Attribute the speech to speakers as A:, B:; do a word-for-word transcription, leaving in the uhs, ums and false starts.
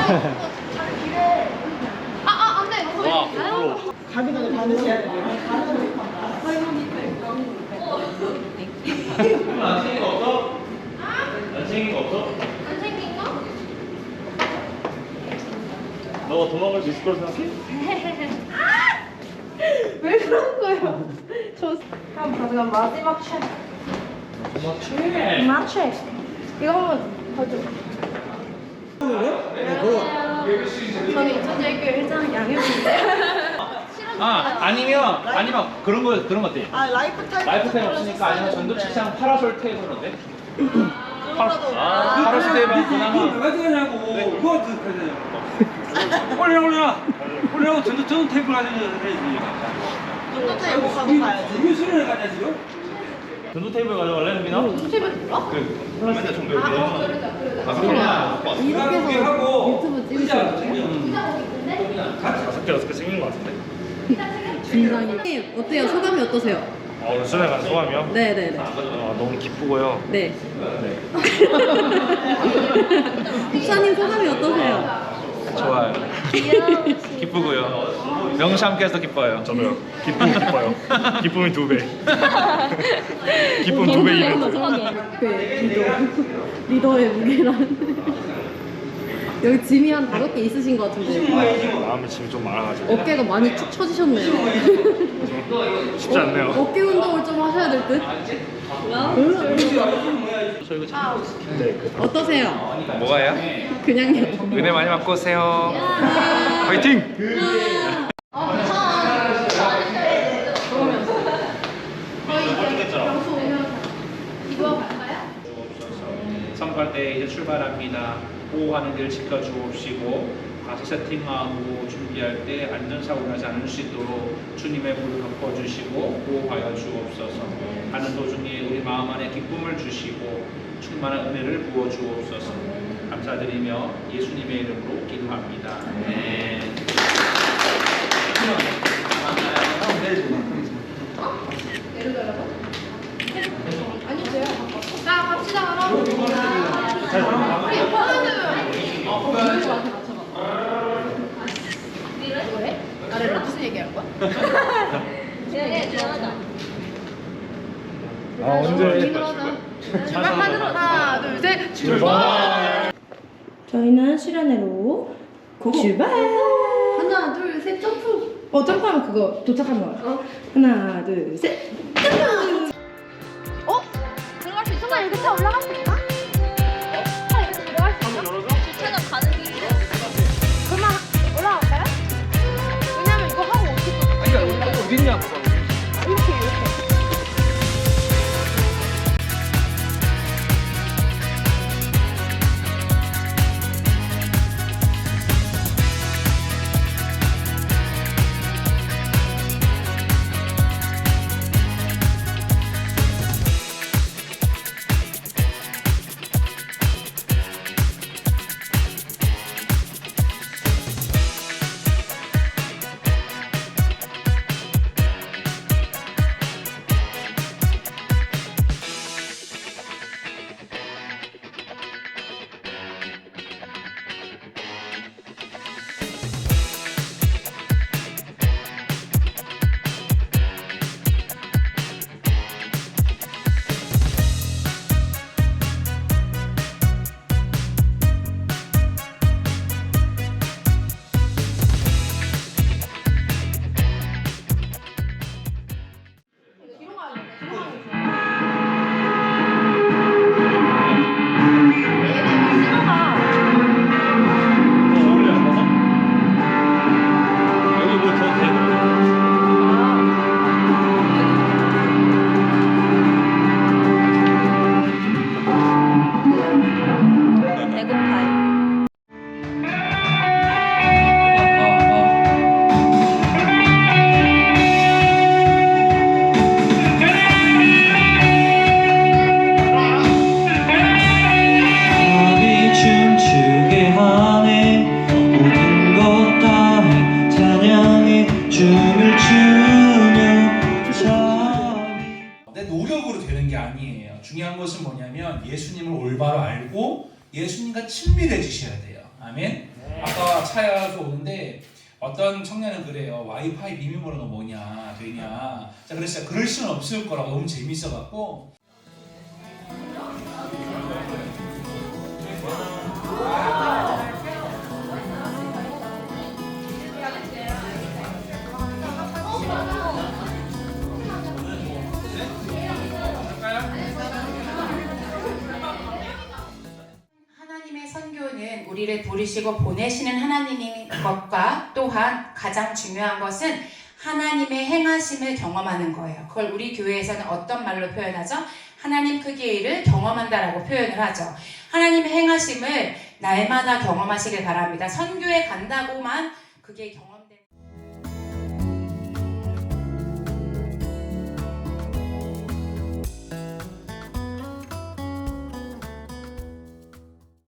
A: 아, 아, 안 돼. 이거
B: 와,
A: 아유.
B: 부러워.
C: 가기 전에 받으셔야 돼요.
B: 안 챙긴 거 없어? 안 챙긴 거 없어?
A: 안 생긴 거?
B: 너가 도망갈 수 있을 거라 생각해?
A: 왜 그런 거예요? 저 한번 가져가 마지막 체크.
B: 도망 채.
A: 마지막 체크. 이거 한번 봐줘. 저는 인천대학교 회장 양혜빈인데.
B: 아 아니면 아니면 그런 거 그런 것 같아.
C: 아 라이프 타임.
B: 라이프 타임 없으니까 아니면 전도 책상 파라솔 테이블 어때?
C: 파라솔.
B: 아 파라솔 테이블
D: 이거
B: 그나마.
D: 누가 들어가냐고. 누가 들어가냐고. 올려 올려. 올려. 전도 전 테이블 가지고 해야지.
C: 전도 테이블 가서 가야지.
D: 이거 수련회 가냐 지금?
B: 전도 테이블 가져갈래 민아?
A: 테이블 들어?
B: 그 플라스틱 정도 이렇게.
A: 아, 그러자, 그러자.
B: 다섯 개나
D: 이렇게 해서 하고
E: 유튜브 찍으실
D: 의자
E: 거예요?
D: 챙겨.
B: 다섯 개 여섯 개 생긴 것 같은데.
E: 진상이. 어때요? 소감이 어떠세요?
B: 아 오늘 수련회 간 소감이요?
E: 네네네.
B: 아 너무 기쁘고요.
E: 네.
B: 네.
E: 목사님 소감이 어떠세요?
B: 좋아요. 기쁘고요. 명시 함께해서 기뻐요. 저도요. 기쁨 기뻐요. 기쁨이 두 배. 기쁨 두 배 이벤트.
E: 그 리더. 리더의 무게란. 여기 짐이 한 다섯 개 있으신 것 같은데
B: 마음에 짐이 좀 많아가지고
E: 어깨가 많이 축 처지셨네요.
B: 쉽지 않네요.
E: 어깨 운동을 좀 하셔야 될 듯.
B: 네.
E: 어떠세요?
B: 뭐가요?
E: 그냥요.
B: 은혜 많이 받고 오세요. 화이팅!
F: 선거할 때 이제 출발합니다. 보호하는 길 지켜주옵시고 다시 세팅하고 준비할 때 안전사고 나지 않을 수 있도록 주님의 불을 덮어주시고 보호하여 주옵소서. 가는 도중에 우리 마음 안에 기쁨을 주시고 충만한 은혜를 부어 주옵소서. 감사드리며 예수님의 이름으로 기도합니다. 네.
A: 내려달라고? 아니 돼요. 자 갑시다 그럼. 우리 오빠는 뭐래? 나를 무슨 얘기할 거야? 네, 미안하다.
B: 아 언제?
A: 출발하도록 하나 둘 셋 출발.
E: 저희는 수련회로 출발.
A: 하나 둘 셋 점프.
E: 어 점프하면 그거 도착하면 어. 하나 둘 셋.
A: 어? 들어갈 수 있어? 나 이렇게 올라갈 수 있나? 어? 나 이렇게 들어갈 수 있나? 주차장 가는 길이래. 그러면 올라갈까요? 왜냐면 이거 하고 어떻게 또
B: 아니 그러니까 어딨냐?
A: 이렇게 이렇게.
G: 중요한 것은 뭐냐면 예수님을 올바로 알고 예수님과 친밀해지셔야 돼요. 아멘. 아까 차에서 오는데 어떤 청년은 그래요. 와이파이 비밀번호가 뭐냐 되냐. 자 그래서 그럴 수는 없을 거라고 너무 재밌어갖고.
H: 하나님의 선교는 우리를 부르시고 보내시는 하나님인 것과 또한 가장 중요한 것은 하나님의 행하심을 경험하는 거예요. 그걸 우리 교회에서는 어떤 말로 표현하죠? 하나님 크기의 일을 경험한다라고 표현을 하죠. 하나님의 행하심을 날마다 경험하시길 바랍니다. 선교에 간다고만 그게 경험